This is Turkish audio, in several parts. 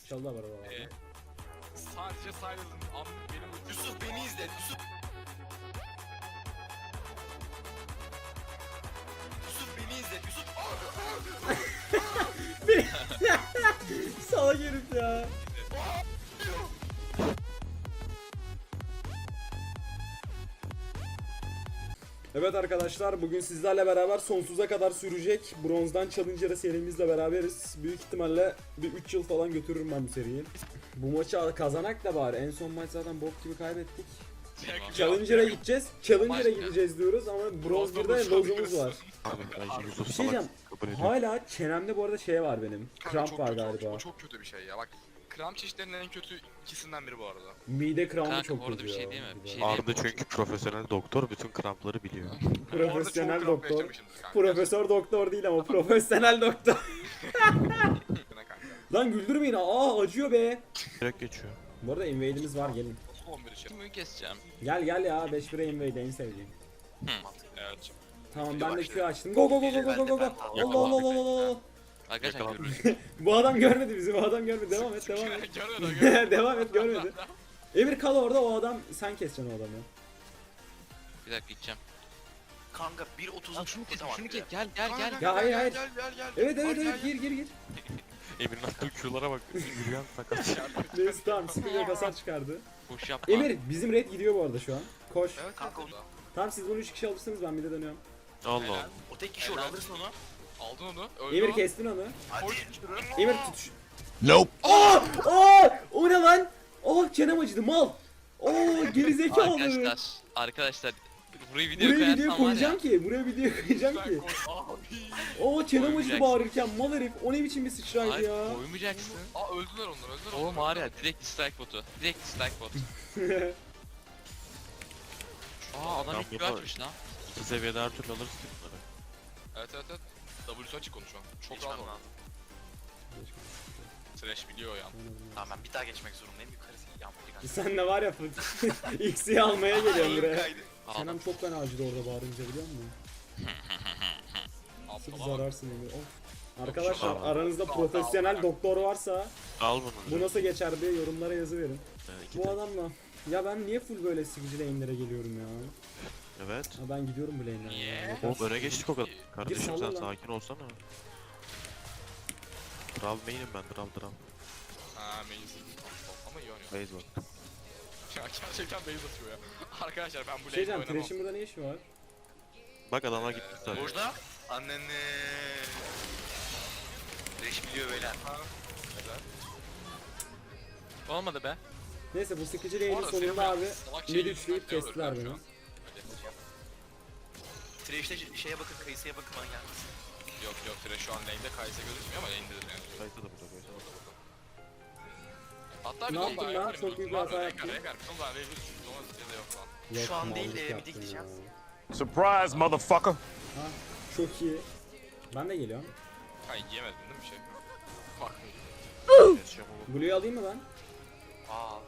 Çalılar var oralarda. Sadece Silas'ın benim Yusuf beni izle. Yusuf beni izle. Yusuf. Salak herif ya. Evet arkadaşlar, bugün sizlerle beraber sonsuza kadar sürecek Bronzdan Challenger'a serimizle beraberiz. Büyük ihtimalle bir 3 yıl falan götürürüm ben bu seriyi. Bu maçı kazanak da bari. En son maç zaten bok gibi kaybettik. Challenger'a gideceğiz. Challenger'a gideceğiz diyoruz ama Bronz 1'de lozumuz var. Bir şey diyeceğim. Hala çenemde bu arada şey var benim. Kramp var galiba. O çok kötü bir şey ya. Bak, kramp çeşitlerinin en kötü ikisinden biri bu arada. Mide krampı Kanka, çok bu arada kötü bir şey ya. değil mi? Bir şey Arda çünkü profesyonel doktor, bütün krampları biliyor. Profesyonel Orada çok kramp doktor. yaşamışımdır kanka. Profesör doktor değil ama profesyonel doktor. Kanka. Lan güldürmeyin. Aa acıyor be. Direkt geçiyor. Bu arada invade'imiz var, gelin. Nasıl 11 için? Kimi keseceğim? Gel gel ya, 5-1'e invade en sevdiğim. Evet. Tamam ben de Q açtım. Go go go go go go go go. Allah Allah Allah Allah Allah. Arkadaşlar Yakalan. görürüz. Bu adam görmedi bizi, bu adam görmedi. Devam et, devam et. Görmedi. Devam et, görmedi. Emir kal orada, o adam, sen keseceksin o adamı. Bir dakika gideceğim. Kanka 1.30'un Şunu kes, tamam şunu ya. kes. Gel gel gel. Ya hayır, hayır. Gel. Evet evet evet, gir gir gir. Emir'in attığı Q'lara bak. Yürüyen sakat. Neyse tamam, sıkıntı yok, hasar çıkardı. Boş yapma. Emir, bizim red gidiyor bu arada şu an. Koş. Evet Kanka kanka. Tamam siz bunu 3 kişi alırsınız, ben bir de dönüyorum. Allah Allah. O tek kişi orada alırsın onu. Aldın onu. Öldü Emir o. kestin onu. Hadi. Koy şunu. Emir tutuş. Nope. Aa! Aa! O ne lan? Aa çenem acıdı mal. Oo gerizekalı. Arkadaşlar burayı video Buraya koyarsam video var koyacağım ya. ki. Buraya video koyacağım Sen ki. koy. Abi. Oo çenem acıdı Koymayacaksın. bağırırken mal herif. O ne biçim bir sıçraydı Hayır ya. koymayacaksın. Aa öldüler onlar. Oğlum var ya direkt dislike botu. Direkt dislike bot. Aa adam Tam ilk yapar. açmış lan. 2 seviyede her türlü alırız ki bunları. Evet. W'su açık konu şu an. Çok Geçmem rahat oldu. lazım. Trash biliyor ya. Tamam ben bir daha geçmek zorundayım. Yukarısı yağmur yağıyor. Sen de var ya X'i almaya geliyorum Elim buraya. kaydı. Çenem Aldım. çok fena acıdı orada bağırınca, biliyor musun? Sırf Aptal ama. zararsın Emir. Of. Arkadaşlar Tamam. aranızda profesyonel doktor varsa Al bunu. bu nasıl geçer diye yorumlara yazı verin. İki Bu tek. adamla ya ben niye full böyle sıkıcı lane'lere geliyorum ya? Evet. Ha ben gidiyorum bu lane'lere. Niye? ya. Oğlum öne geçtik o kadar. Kardeşim salla sen lan. sakin olsana. Drav main'im ben, drav. Ha Maze. Ama iyi oynuyor. Base bak. Ya gerçekten base atıyor ya. Arkadaşlar ben bu Şey lane'de diyeceğim, oynamam. Thresh'in burada ne işi var? Bak adamlar gitti zaten. Burada. Anneni. Reş biliyor beyler. Güzel. Olmadı be. Neyse bu sıkıcı Bu lane'in arada sonunda senin abi salak şey mid yüzünden üçleyip terör kestiler ediyorum beni. şu an. Trash'te şeye bakın, kayısıya bakın bana gelmesin. Yok Trash şu an lane'de Kayse gözükmüyor ama lane'dedir yani. Kayısı da burada, kayısı da burada. Hatta bir Ne de yaptın ondan lan? yaparım. Çok büyük bir hata yaptın. Rengar bir ondan Raven ya da yok lan. Yok, Şu an değil de mallık bir yaptın dikeceğiz. ya. Surprise, motherfucker. Ha, çok iyi. Ben de geliyorum. Hayır yiyemedin değil mi bir şey? Bak. Keseceğim oğlum. Blue'yu alayım mı ben? Aa.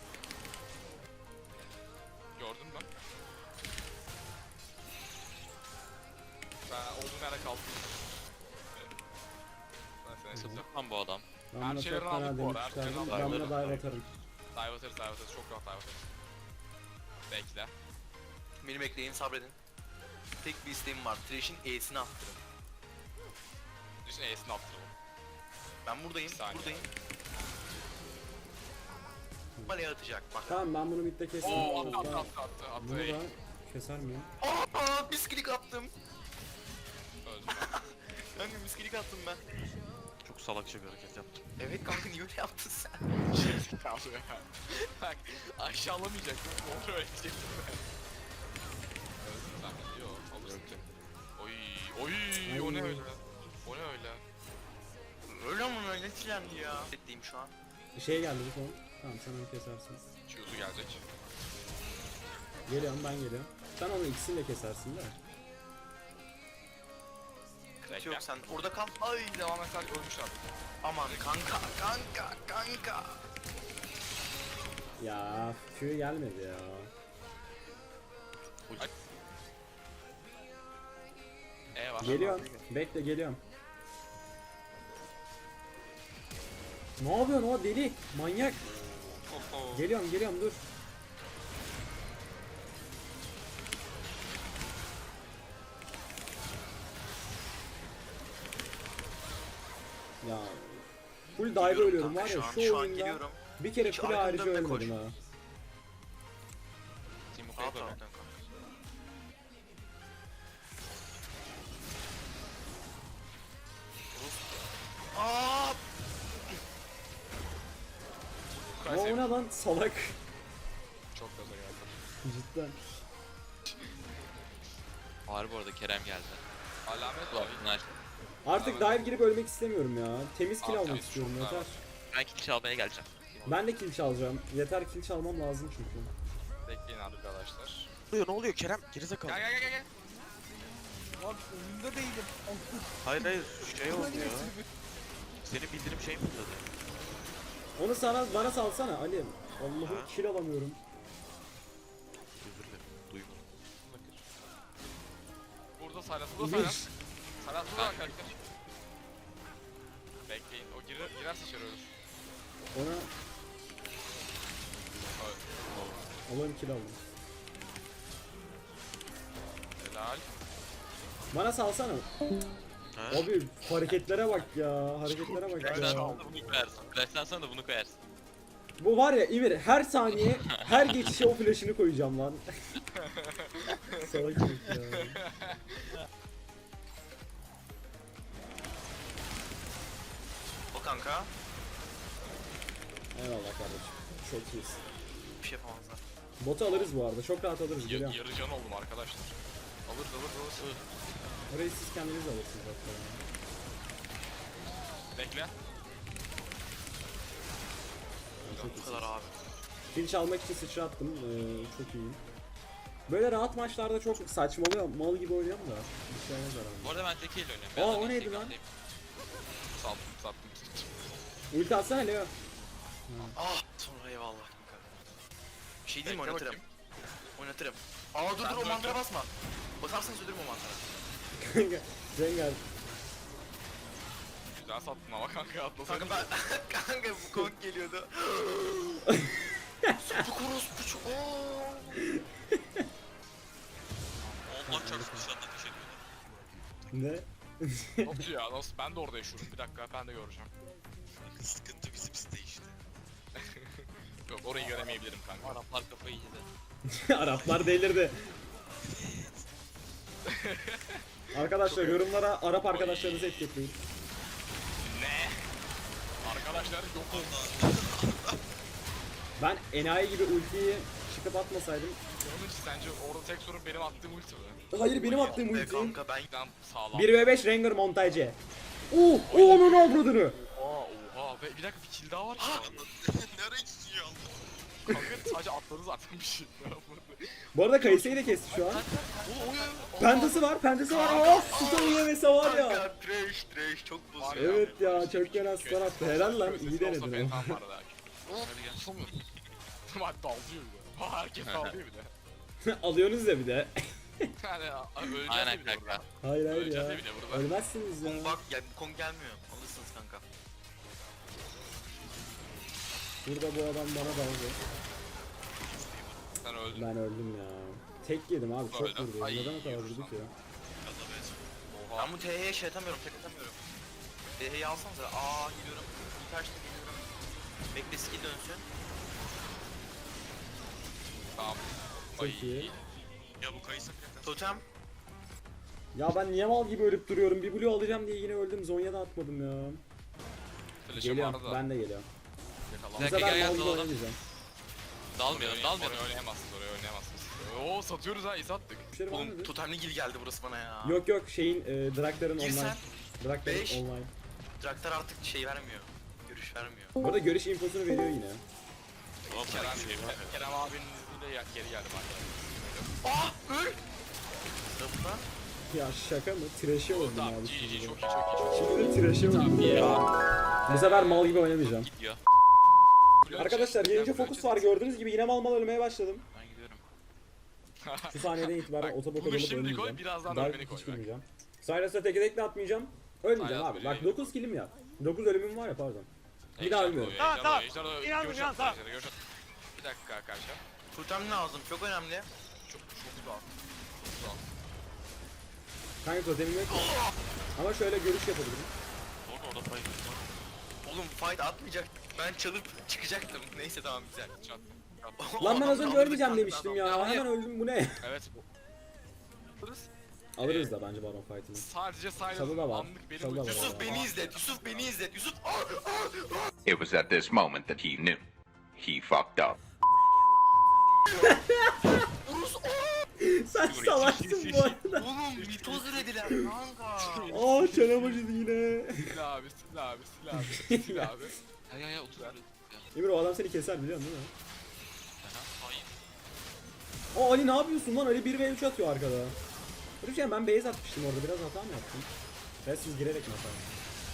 Gördün mü? Ben olduğum yerde kaldım. Ben seni satacağım. Lan bu adam. Ben Her buna şeyleri çok fena aldık bu arada, her demişlerdim. şeyleri Ben aldık. buna dive atarım. Dive atarız. Çok rahat dive atarız. Bekle. Beni bekleyin, sabredin. Tek bir isteğim var. Trash'in E'sini attırın. Düşün E'sini attıralım. Ben buradayım, Bir saniye. buradayım. Baleye atacak bak. Tamam ben bunu midde kestim. Oo attı Bunu attı. da keser miyim? Aa, bisklik attım. Öldüm Kanka bisklik attım ben. Çok salakça bir hareket yaptım. Evet kanka, niye öyle yaptın sen? ben. Kaldı ya. Bak aşağılamayacaktım. Kontrol edecektim ben. Öldüm ben. Yok alırsın ki. Oy o ne öyle? O ne öyle? Öyle mi öyle çilendi ya? Bekleyeyim şu an. Şey geldi bu son. Tamam sen onu kesersin. Q'su gelecek. Geliyorum, ben geliyorum. Sen onu ikisini de kesersin de. Sıkıntı yok, sen orada kal. Ay Devam eder ölmüş artık. aman kanka. Ya Q gelmedi ya. E var. Geliyorum. Bekle, geliyorum. Ne yapıyorsun o deli? Manyak. Oho. Geliyorum dur. Ya full dive Geliyorum ölüyorum kanka var ya şu an, şu şu an oyunda geliyorum. bir kere Hiç full arkamdan harici da ölmedim koş. ha. Team Rahat Okay'ı rahat koyma. kanka. Aa! Ama o ne lan salak. Çok gaza geldi. Cidden. Var bu arada Kerem geldi. Alamet Ulan var. bunlar. Artık dive girip ölmek istemiyorum ya. Temiz kill Abi, almak temiz istiyorum çok daha yeter. Ben kill çalmaya geleceğim. Ben de kill çalacağım. Yeter kill çalmam lazım çünkü. Bekleyin arkadaşlar. Ne oluyor Kerem? Gerizekalı. Gel. Hayır şey oldu ya. Senin bildirim şey mi fırladı? Onu bana salsana Ali. Allah'ım Ha? kill alamıyorum. Özür dilerim. Duymadım. Burada Saylas, burada Saylas. Saylas burada arkadaşlar. Bekleyin, o girerse içeri ölür. Ona Evet. Allah'ım kill aldım. Helal. Bana salsana. Ha? Abi hareketlere bak ya. Hareketlere bak Flash'tan ya. sonra da bunu koyarsın. Flash'tan sonra da bunu koyarsın. Bu var ya İmir her saniye her geçişe o flash'ını koyacağım lan. Salak herif ya. O kanka. Eyvallah kardeşim. Çok iyisin. Bir şey yapamazlar. Botu alırız bu arada. Çok rahat alırız. Geliyorum. Yarı can oldum arkadaşlar. Alır. Orayı siz kendiniz alırsınız hatta. Bekle. Çok Bu iyisiniz. kadar abi. Kill çalmak için sıçrattım. Çok iyiyim. Böyle rahat maçlarda çok saçmalıyor. Mal gibi oynuyorum da. Bir şey olmaz Bu herhalde. arada ben tekiyle oynuyorum. Aa, Ben o de neydi tek lan? atlayayım. Sattım. Ulti atsana Leo. Ah sonra eyvallah kanka. Bir şey değil mi Bekle oynatırım. bakayım. Oynatırım. Aa dur Sen dur o de mantıra önce. basma. Basarsanız ölürüm o mantıra. Kanka. Rengar. Güzel sattın ama kanka atlasaydın. Kanka ben kanka bu komik geliyordu. Bu korospu çok. Allah çarpsın dışarıda ateş ediyorlar. Ne? Nasıl ya nasıl? Ben de orada yaşıyorum. Bir dakika ben de göreceğim. Sıkıntı bizim site işte. Yok orayı göremeyebilirim kanka. Araplar kafayı yedi. Araplar delirdi. Arkadaşlar yorumlara Arap arkadaşlarınızı etiketleyin. Ne? Arkadaşlar yok oldu. Ben enayi gibi ultiyi çıkıp atmasaydım. Onun için sence orada tek sorun benim attığım ulti mi? Hayır benim attığım Be ulti. kanka ben Ben sağlam. 1v5 Rengar montajı. Onun avradını. Oha ve bir dakika bir kill daha var ki. Nereye gidiyor? Kanka sadece atladı zaten bir şey. Bu arada Kayse'yi de kesti şu an. Pendası var. Stun yemesi var ya. kanka trash çok bozuyor. Evet ya çok fena stun attı. Helal lan iyi denedin. Ben tam vardı belki. Hadi gel. Bak dalıyor bir de. Ha herkes dalıyor bir de. Alıyorsunuz ya bir de. Yani öleceğiz Aynen de bir de kanka. burada. Hayır hayır Öleceğiz ya. de bir de burada. Ölmezsiniz ya. Bak ya bu konu gelmiyor. Alırsınız kanka. Burada bu adam bana daldı. Sen öldün. Ben öldüm ya. Tek yedim abi çok Öldüm. vurdu. Ay, Neden o kadar yiyoruz vurdu lan. ki? Oha. Ben bu TH'ye şey atamıyorum, tek atamıyorum. TH'yi alsanıza. Aa gidiyorum. İlk açtı gidiyorum. Bekle skill dönsün. Tamam. Çok iyi. Ya bu kayısı Totem. Ya ben niye mal gibi ölüp duruyorum? Bir blue alacağım diye yine öldüm. Zonya'da atmadım ya. Flash'ım Geliyorum. vardı da. Ben de geliyorum. Yakalandım. Bu dakika, sefer gel, mal gibi dalalım. oynamayacağım. Dalmıyorum. Oraya oynayamazsınız, oraya oynayamazsınız. Oo satıyoruz ha, is attık. Bir şey var Oğlum mıydı? totemli gil geldi burası bana ya. Yok şeyin Draktar'ın Gir online. sen. Draktar'ın Beş. online. Draktar artık şey vermiyor. Görüş vermiyor. Bu arada görüş infosunu veriyor yine. Kerem abinin izniyle geri geldim arkadaşlar. Ah öl! Sırapta. Ya şaka mı? Trash'e öldüm Tamam abi. GG şimdi. çok iyi çok iyi. Şimdi de trash'e öldüm iyi. ya. Bu sefer mal gibi oynamayacağım. Gidiyor. Arkadaşlar gelince fokus var gördüğünüz gibi yine mal ölmeye başladım. Ben gidiyorum. Şu saniyeden itibaren Bak, otobok bunu olup şimdi koy, ölmeyeceğim. birazdan Dark ölmeni koy hiç bak. girmeyeceğim. Silas'a tek tekle atmayacağım. Ölmeyeceğim Silas abi. böyle Bak 9 killim ya. 9 ölümüm var ya pardon. Bir daha ölmüyorum. Tamam. İnandım, tamam. Bir dakika arkadaşlar. Kurtarmam lazım. Çok önemli. Çok zor. Kanka totemim yok. Ama şöyle görüş yapabilirim. Orada fight var. Oğlum fight atmayacaktık. Ben çalıp çıkacaktım. Neyse tamam güzel. Çat. Lan ben az önce Aldık, ölmeyeceğim aldık, demiştim aldık. ya. Hemen öldüm, bu ne? Evet bu. Alırız da bence Baron fight'ını. Sadece Çalı da var. anlık benim Çalı da var. ultim- Yusuf beni izlet. Yusuf beni izlet. Yusuf. It was at this moment that he knew. He fucked up. Sen salaksın bu arada. Oğlum mitoz ürediler kanka. Aa çenem acıdı yine. Sil abi. Sil abi. Ya otur. Ya. Emir o adam seni keser biliyorsun değil mi? Hayır. Aa Ali ne yapıyorsun lan? Ali 1v3 atıyor arkada. Rüçhan ben base atmıştım orada, biraz hata mı yaptım? Ben siz girerek mi hata yaptım?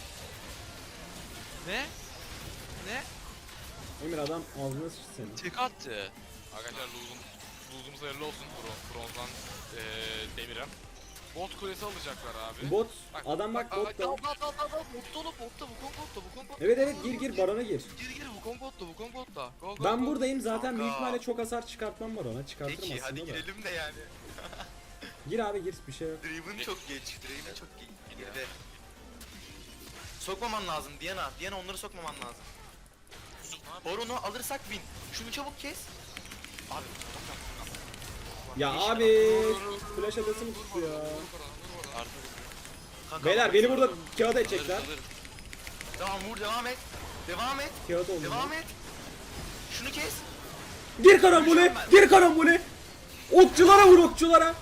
Ne? Ne? Emir adam ağzına sıçtı seni. Tek attı. Arkadaşlar losumuz hayırlı olsun. Bronzdan demire. Bot kulesi alacaklar abi. Bot, adam bak bot da. Botta bu kombotta. Evet gir Baron'a gir. Gir bu kombotta. Ben buradayım zaten, Kanka. büyük ihtimalle çok hasar çıkartmam Baron'a. Çıkartırım Peki aslında hadi da. girelim de yani. Gir abi gir, bir şey yok. Draven çok geç. Draven çok geç. Geride. Sokmaman lazım Diana. Diana onları sokmaman lazım. Baron'u alırsak win. Şunu çabuk kes. Abi Ya abi flash adası mı tuttu ya? kanka, Beyler beni burada kağıt edecekler. Tamam vur devam et. Devam et. Kağıt oldu. Devam et. Şunu kes. Gir karambole! Gir karambole! Okçulara vur, okçulara!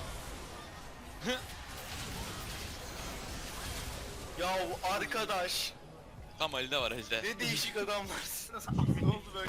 Ya arkadaş. Tam Ali'de var Ali'de. Ne değişik adamlarsın. Ne oldu böyle?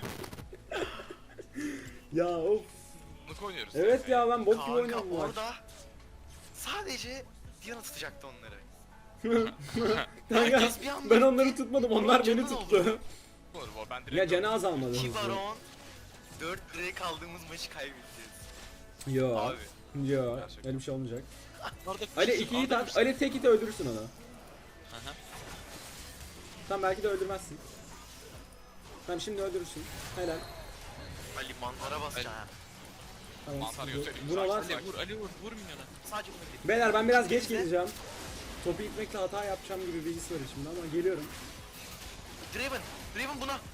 Ya of. Bunu oynuyoruz. Evet ya ben bok gibi Kanka oynuyorum bu maç. orada sadece Diana tutacaktı onları. Kanka herkes bir anda- ben onları tutmadım, onlar beni canın tuttu. Olur bu. Ben direkt Ya cenaze almadı. İki baron 4 liraya kaldığımız maçı kaybedeceğiz. Yo. Abi. Yo. Gerçekten. Öyle bir şey olmayacak. Orada Ali 2'yi tat, Ali tek iti öldürürsün onu. Aha. Tamam belki de öldürmezsin. Tamam şimdi öldürürsün. Helal. Ali mantara basacaksın ha. Tamam. Mantar sıkıntı yok. göstereyim. Buna var. Ali vur minyona. Sadece bunu bil. Beyler ben biraz geç geleceğim. Topu itmekle hata yapacağım gibi bir his var şimdi ama geliyorum. Draven buna.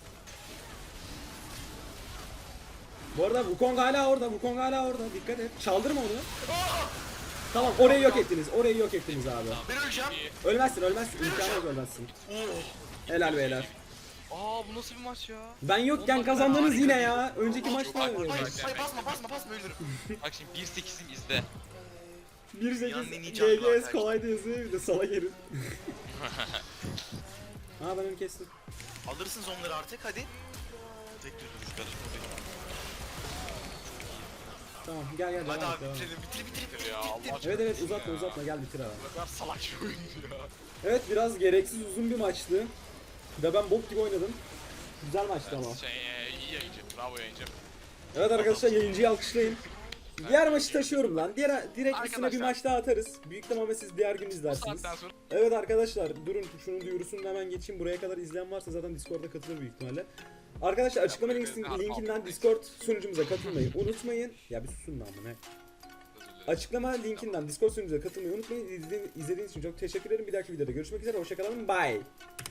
Bu arada Wukong hala orada, Wukong hala orada. Dikkat et. Çaldırma onu. Tamam orayı yok ettiniz. Orayı yok ettiniz abi. Ben öleceğim. Ölmezsin, ölmezsin. İmkanı yok ölmezsin. Helal beyler. Aa bu nasıl bir maç ya? Ben yokken kazandınız yine ya. Önceki maçta Hayır, öyle. hayır basma ölürüm. Bak şimdi 1.8'im izle. 1.8 canlı GGS arkadaşlar. kolaydı yazıyor, bir de sala gelin. Ha ben onu kestim. Alırsınız onları artık hadi. Tek düz vuruş karışma benim. Tamam gel gel Hadi devam et, abi devam et. bitir. Ya Allah Evet uzatma gel bitir abi. Ne kadar salak bir oyuncu ya. Evet biraz gereksiz uzun bir maçtı. Ve ben bok gibi oynadım. Güzel maçtı ama. İyi yayıncı. Bravo yayıncı. Evet arkadaşlar yayıncıyı alkışlayın. Diğer maçı taşıyorum lan. Direkt üstüne bir Arkadaşlar. maç daha atarız. Büyük ihtimalle siz diğer gün Bu izlersiniz. saatten sonra Evet arkadaşlar durun şunun duyurusunu hemen geçeyim. Buraya kadar izleyen varsa zaten Discord'da katılır büyük ihtimalle. Arkadaşlar açıklama linkinden Discord sunucumuza katılmayı unutmayın. Ya bir susun lan bu ne? Açıklama linkinden Discord sunucumuza katılmayı unutmayın. İzlediğiniz için çok teşekkür ederim. Bir dahaki videoda görüşmek üzere. Hoşçakalın. Bye.